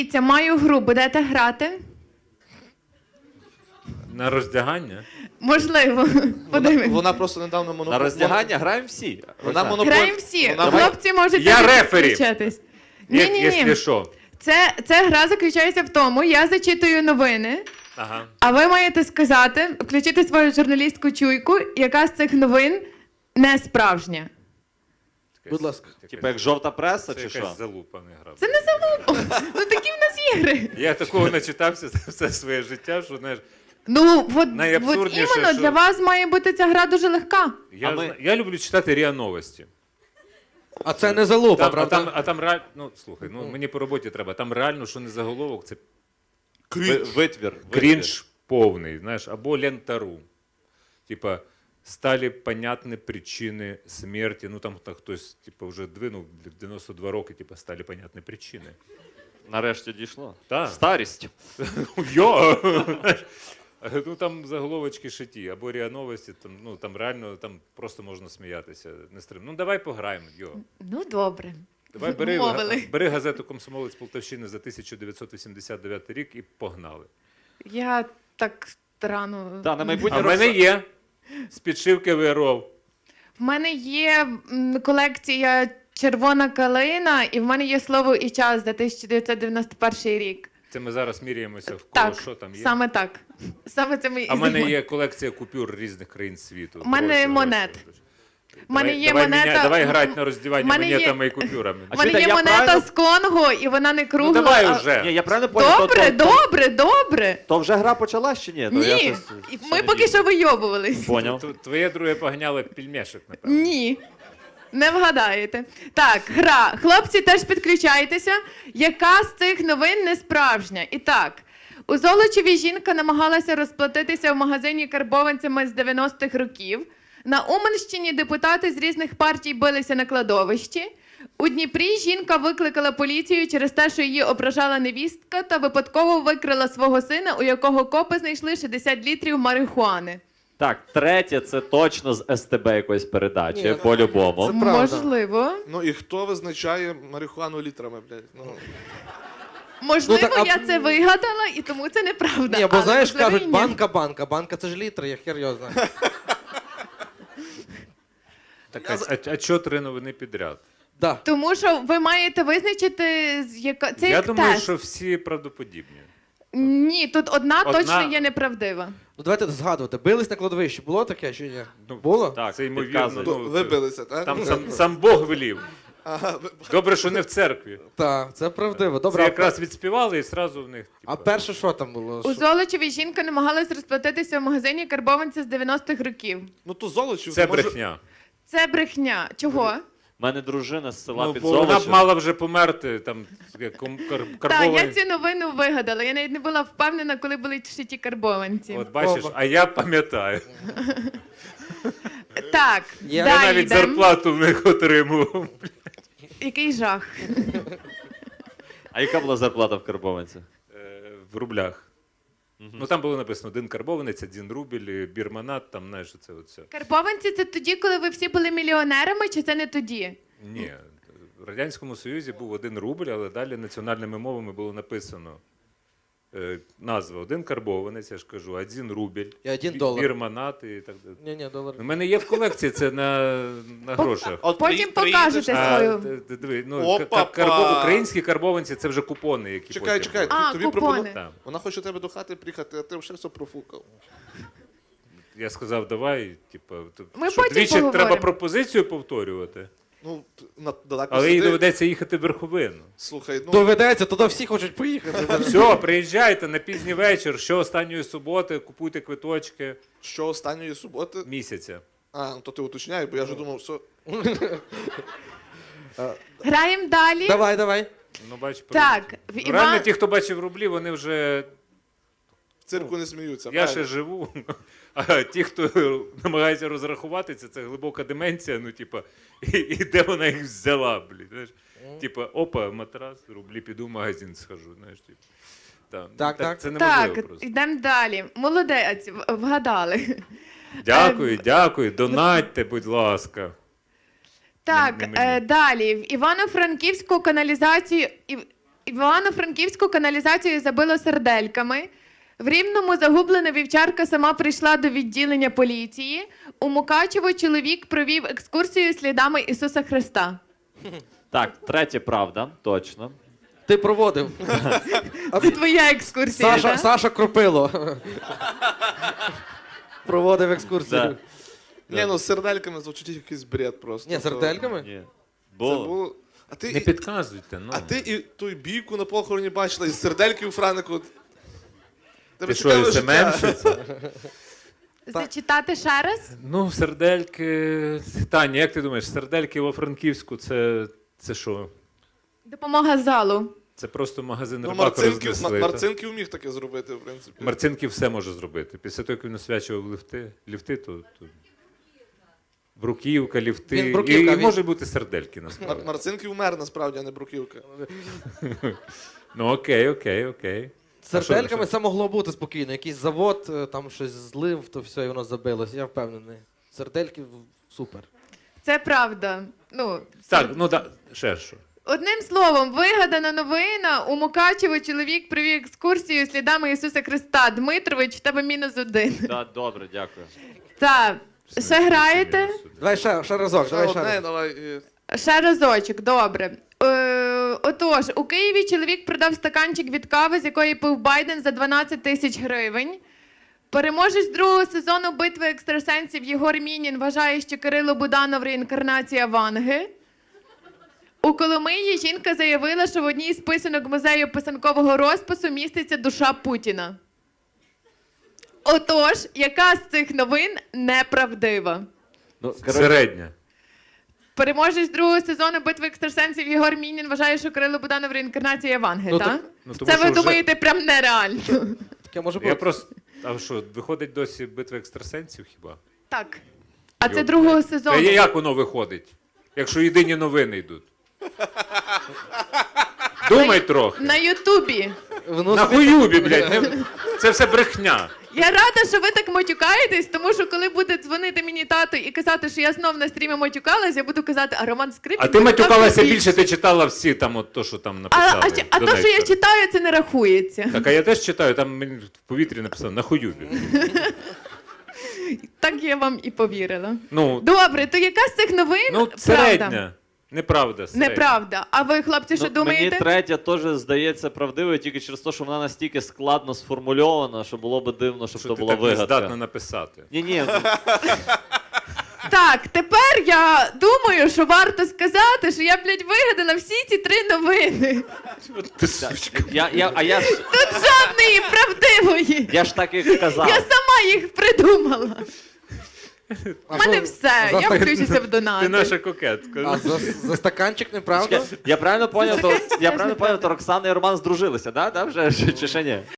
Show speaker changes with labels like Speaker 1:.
Speaker 1: Дивіться, маю гру, будете грати?
Speaker 2: На роздягання?
Speaker 1: Можливо. Подивимось.
Speaker 3: Вона просто недавно
Speaker 4: На роздягання граємо всі.
Speaker 3: Вона монополь...
Speaker 1: Граємо всі.
Speaker 3: Вона...
Speaker 1: Хлопці можуть
Speaker 2: Я
Speaker 1: також
Speaker 2: рефері.
Speaker 1: підключатись.
Speaker 2: Якщо
Speaker 1: Ні-ні-ні.
Speaker 2: що.
Speaker 1: Це гра заключається в тому, я зачитую новини,
Speaker 2: Ага.
Speaker 1: а ви маєте сказати, включити свою журналістську чуйку, яка з цих новин не справжня.
Speaker 3: Будь ласка.
Speaker 4: Типа як жовта преса
Speaker 2: Це
Speaker 4: чи що?
Speaker 2: якась залупа не гра.
Speaker 1: Це не залупа. Ну такі в нас ігри.
Speaker 2: Я такого начитався за все своє життя, що, знаєш,
Speaker 1: Ну, от
Speaker 2: Найабсурдніше,
Speaker 1: іменно
Speaker 2: що-
Speaker 1: для вас має бути ця гра дуже легка.
Speaker 2: я люблю читати РІА Новості.
Speaker 3: А це не залупа,
Speaker 2: Там,
Speaker 3: правда?
Speaker 2: а там реально, ну слухай, ну мені по роботі треба. Там реально, що не заголовок, це
Speaker 4: Витвір.
Speaker 2: крінж повний, знаєш, або лентару. Типа, стали понятні причини смерті. Ну там хтось типа, вже двинув в 92 роки, типа, стали понятні причини.
Speaker 4: Нарешті дійшло.
Speaker 2: Так.
Speaker 4: Старість.
Speaker 2: Йо! Ну там заголовочки шиті, або РІА Новості, там, ну там реально там просто можна сміятися. Не стрим. Ну давай пограємо, йо.
Speaker 1: Ну, добре.
Speaker 2: Давай
Speaker 1: Вмовили.
Speaker 2: бери газету «Комсомолець Полтавщини» за 1989 рік і погнали.
Speaker 1: Я так рано.
Speaker 4: Так, на майбутнє
Speaker 2: А в мене є з підшивки ВРО.
Speaker 1: В мене є колекція «Червона калина», і в мене є слово і час за 1991 рік.
Speaker 2: Це ми зараз міряємося в кого,
Speaker 1: Так,
Speaker 2: що там є.
Speaker 1: саме так. Саме це ми і
Speaker 2: А в мене
Speaker 1: займаємося.
Speaker 2: є колекція купюр різних країн світу.
Speaker 1: В мене монет. В мене є
Speaker 2: давай
Speaker 1: монета.
Speaker 2: давай грати на роздівання
Speaker 1: в мене є-
Speaker 2: монетами і купюрами.
Speaker 1: У мене
Speaker 4: чуєте,
Speaker 1: є
Speaker 4: я
Speaker 1: монета
Speaker 4: правильно-
Speaker 1: з Конго, і вона не кругла.
Speaker 2: Ну давай
Speaker 1: а-
Speaker 2: уже.
Speaker 4: Ні, я правильно понял?
Speaker 1: Добре, добре, добре.
Speaker 4: То вже гра почалась чи ні? То я
Speaker 1: Ні,
Speaker 4: щось-
Speaker 1: і
Speaker 4: ще
Speaker 1: ми
Speaker 4: не
Speaker 1: поки
Speaker 4: дійшов.
Speaker 1: що вийобувались.
Speaker 4: Поняв.
Speaker 2: Твоє друге погняло пельмешок, напевно.
Speaker 1: Ні. Не вгадаєте. Так, гра. Хлопці, теж підключайтеся. Яка з цих новин не справжня? І так, у Золочеві жінка намагалася розплатитися в магазині карбованцями з 90-х років. На Уманщині депутати з різних партій билися на кладовищі. У Дніпрі жінка викликала поліцію через те, що її ображала невістка та випадково викрила свого сина, у якого копи знайшли 60 літрів марихуани.
Speaker 4: Так, третє, це точно з СТБ якоїсь передачі,
Speaker 3: Ні,
Speaker 4: по-любому.
Speaker 3: це правда.
Speaker 1: Можливо.
Speaker 3: Ну і хто визначає марихуану літрами, блядь? Ну,
Speaker 1: Можливо,
Speaker 5: Ну, так, а-
Speaker 1: я це вигадала, і тому це неправда.
Speaker 5: Ні, бо
Speaker 1: Але,
Speaker 5: знаєш,
Speaker 1: можливо, і
Speaker 5: кажуть,
Speaker 1: ні.
Speaker 5: банка. Банка це ж літри, я хер його знаю.
Speaker 2: Так, а чого 3 новини підряд?
Speaker 5: Да.
Speaker 1: Тому що ви маєте визначити, яка це
Speaker 2: Я
Speaker 1: як
Speaker 2: думаю,
Speaker 1: тест.
Speaker 2: що всі правдоподібні.
Speaker 1: Ні, тут одна
Speaker 2: Одна-
Speaker 1: точно є неправдива.
Speaker 5: Ну давайте згадувати. Бились на кладовищі, було таке чи ні?
Speaker 2: Ну,
Speaker 5: Було?
Speaker 4: Так,
Speaker 2: Це ймовірно.
Speaker 4: підказує.
Speaker 3: то
Speaker 2: Ну,
Speaker 3: ви
Speaker 2: це-
Speaker 3: билися, так?
Speaker 2: Там сам Бог велів.
Speaker 3: Ага,
Speaker 2: Добре, що не в церкві.
Speaker 5: Так, це правдиво.
Speaker 2: Це
Speaker 5: Добре,
Speaker 2: якраз відспівали і зразу в них.
Speaker 5: а
Speaker 2: типа,
Speaker 5: перше що там було?
Speaker 1: У
Speaker 5: Що?
Speaker 1: Золочеві жінка намагалась розплатитися в магазині карбованця з 90-х років.
Speaker 3: Ну то Золочів.
Speaker 2: Це
Speaker 3: може-
Speaker 2: брехня.
Speaker 1: Це брехня. Чого?
Speaker 4: У мене дружина з села
Speaker 2: Ну,
Speaker 4: під
Speaker 2: бо вона б
Speaker 4: Золочем.
Speaker 2: мала вже померти, там,
Speaker 1: Так,
Speaker 2: карбовані.
Speaker 1: я цю новину вигадала. Я навіть не була впевнена, коли були шиті карбованці.
Speaker 2: От бачиш,
Speaker 5: Оба.
Speaker 2: а я пам'ятаю.
Speaker 1: Так,
Speaker 5: Я
Speaker 2: Я
Speaker 1: далі
Speaker 2: навіть
Speaker 1: йдемо.
Speaker 2: зарплату в них отримував.
Speaker 1: Який жах.
Speaker 4: А яка була зарплата в Карбованці?
Speaker 2: В рублях. Ну там було написано 1 карбованець, 1 рубль, бірманат, там, знаєш, це оце.
Speaker 1: Карбованці це тоді, коли ви всі були мільйонерами, чи це не тоді?
Speaker 2: Ні, в Радянському Союзі був 1 рубль, але далі національними мовами було написано назва 1 карбованець, я ж кажу, 1 рубль,
Speaker 5: І 1 долар.
Speaker 2: бірманат і так далі.
Speaker 5: Ні, долар.
Speaker 2: У мене є в колекції, це на грошах.
Speaker 3: От
Speaker 1: Потім
Speaker 3: приїдеш,
Speaker 1: покажете
Speaker 3: а,
Speaker 1: свою.
Speaker 2: Диви, ну,
Speaker 3: Опа-па!
Speaker 2: українські карбованці це вже купони, які
Speaker 3: Чекай,
Speaker 2: потім
Speaker 3: чекай,
Speaker 2: були.
Speaker 1: А,
Speaker 3: тобі
Speaker 1: купони.
Speaker 3: пропоную.
Speaker 2: Так.
Speaker 3: Вона хоче тебе до хати приїхати, а ти вже все профукав.
Speaker 2: Я сказав, давай, типу,
Speaker 1: Ми
Speaker 2: що,
Speaker 1: потім
Speaker 2: двічі
Speaker 1: поговоримо.
Speaker 2: треба пропозицію повторювати,
Speaker 3: Ну, далеко
Speaker 2: але їй
Speaker 3: сиди.
Speaker 2: доведеться їхати в Верховину.
Speaker 3: Слухай, ну,
Speaker 5: Доведеться, туди всі хочуть поїхати.
Speaker 2: Все, приїжджайте на пізній вечір, що останньої суботи, купуйте квиточки
Speaker 3: що останньої суботи?
Speaker 2: місяця.
Speaker 3: А, ну то ти уточняй, бо я вже думав, що...
Speaker 1: Граємо далі.
Speaker 5: Давай.
Speaker 2: Ну, бач,
Speaker 1: Так, в
Speaker 2: ну, реально
Speaker 1: Іван...
Speaker 2: ті, хто бачив рублі, вони вже.
Speaker 3: В цирку не сміються.
Speaker 2: Я ще
Speaker 3: правильно.
Speaker 2: живу. А ті, хто намагається розрахуватися, це глибока деменція, ну, типа, і де вона їх взяла, блін. Знаєш? Типа, опа, матрас, рублі, піду в магазин схожу. Знаєш, типу.
Speaker 5: Так.
Speaker 2: Це неможливо
Speaker 1: Так,
Speaker 2: просто.
Speaker 1: йдемо далі. Молодець, вгадали.
Speaker 2: Дякую, донатьте, будь ласка.
Speaker 1: Так,
Speaker 2: Не мені.
Speaker 1: далі. В Івано-Франківську каналізацію... В Івано-Франківську каналізацію забило сердельками. В Рівному загублена вівчарка сама прийшла до відділення поліції. У Мукачево чоловік провів екскурсію слідами Ісуса Христа.
Speaker 4: Так, третє правда, точно.
Speaker 5: Ти проводив.
Speaker 1: Це твоя екскурсія, так?
Speaker 5: Саша Кропило. Проводив екскурсію.
Speaker 4: Да.
Speaker 3: Ні, ну з сердельками звучить якийсь бред просто.
Speaker 5: Ні, з сердельками?
Speaker 4: Ні.
Speaker 3: Це
Speaker 4: Було.
Speaker 3: було... А ти,
Speaker 2: Не підказуйте, ну.
Speaker 3: а ти і ту бійку на похороні бачила, і сердельки у Франику. Тебе
Speaker 2: Ти що,
Speaker 3: цікаве життя.
Speaker 2: СММщиця?
Speaker 1: Зачитати ще раз?
Speaker 2: Ну, сердельки... Таня, як ти думаєш, сердельки во Франківську це що?
Speaker 1: Допомога залу.
Speaker 2: Це просто магазин
Speaker 3: Ну,
Speaker 2: рибака рознесли. та?
Speaker 3: Марцинків міг таке зробити, в принципі.
Speaker 2: Марцинків все може зробити. Після того, як він освячував ліфти, то... Бруківка, ліфти.
Speaker 5: Він бруківка,
Speaker 2: і
Speaker 5: він-
Speaker 2: може бути сердельки, насправді.
Speaker 3: Марцинків мер, насправді, а не бруківка.
Speaker 2: Ну, окей.
Speaker 5: З
Speaker 2: що-
Speaker 5: сердельками
Speaker 2: що?
Speaker 5: це могло бути спокійно. Якийсь завод, там щось злив, то все, і воно забилось. Я впевнений. Сердельки супер.
Speaker 1: Це правда. Ну,
Speaker 2: Так, ну так, ще що.
Speaker 1: одним словом, вигадана новина. У Мукачево чоловік провів екскурсію слідами Ісуса Христа. Дмитрович, в тебе -1.
Speaker 4: Да, добре, дякую.
Speaker 1: Так, ще граєте?
Speaker 5: Давай ще разок, давай ще
Speaker 3: Одне,
Speaker 5: раз.
Speaker 3: давай.
Speaker 1: Ще разочок, добре. Отож, у Києві чоловік продав стаканчик від кави, з якої пив Байден за 12 тисяч гривень. Переможець другого сезону битви екстрасенсів Єгор Мінін вважає, що Кирило Буданов реінкарнація Ванги. У Коломиї жінка заявила, що в одній з писанок музею писанкового розпису міститься душа Путіна. Отож, яка з цих новин неправдива?
Speaker 4: Ну, коротше,
Speaker 2: Середня.
Speaker 1: Переможець другого сезону битви екстрасенсів Єгор Мінін вважає, що Кирило Буданов реінкарнація Ванги,
Speaker 5: Ну,
Speaker 1: так?
Speaker 5: так-
Speaker 2: Ну, тому
Speaker 1: Це
Speaker 2: що
Speaker 1: ви
Speaker 2: вже-
Speaker 1: думаєте прям нереально.
Speaker 5: Таке може
Speaker 2: Я
Speaker 5: бути.
Speaker 2: просто... А що, виходить досі битва екстрасенсів хіба?
Speaker 1: Так. А це
Speaker 2: Йоп.
Speaker 1: другого
Speaker 2: Та
Speaker 1: сезону.
Speaker 2: як воно виходить? Якщо єдині новини йдуть. Думай трохи.
Speaker 1: На Ютубі.
Speaker 5: Воно
Speaker 2: На
Speaker 5: собі-
Speaker 2: хуюбі, блядь. Це все брехня.
Speaker 1: Я рада, що ви так матюкаєтесь, тому що коли буде дзвонити мені тато і казати, що я знов на стрімі матюкалась, я буду казати, а Роман Скрипін...
Speaker 2: А ти матюкалася
Speaker 1: матюкався
Speaker 2: більше, ти читала всі там от то, що там написали.
Speaker 1: А то, що я читаю, це не рахується.
Speaker 2: Так, а я теж читаю, там мені в повітрі написано на хуюбі.
Speaker 1: Так я вам і повірила.
Speaker 2: Ну,
Speaker 1: Добре, то яка з цих новин
Speaker 2: ну
Speaker 1: правда?
Speaker 2: середня. Неправда. Середня.
Speaker 1: Неправда. А ви, хлопці, що
Speaker 4: ну,
Speaker 1: думаєте?
Speaker 4: мені третя теж здається правдивою, тільки через те, що вона настільки складно сформульована, що було би дивно, щоб
Speaker 2: Що
Speaker 4: то
Speaker 2: ти
Speaker 4: була
Speaker 2: так не здатна
Speaker 4: вигадка.
Speaker 2: написати.
Speaker 4: Ні,
Speaker 1: Так, тепер я думаю, що варто сказати, що я, блядь, вигадала всі ці 3 новини.
Speaker 2: Ти сучка.
Speaker 4: я ж
Speaker 1: Тут жодної правдивої.
Speaker 4: я ж так і казав.
Speaker 1: Я сама їх придумала.
Speaker 5: А
Speaker 1: У мене
Speaker 5: що,
Speaker 1: все,
Speaker 5: за
Speaker 1: я
Speaker 5: стак-
Speaker 1: включуся в
Speaker 2: Ти
Speaker 1: донати.
Speaker 2: наша кокетка.
Speaker 5: А за стаканчик неправда?
Speaker 4: Я правильно поняв,
Speaker 1: Це
Speaker 4: то
Speaker 1: теж неправда.
Speaker 4: Роксана і Роман здружилися, да? Вже чи ще ні?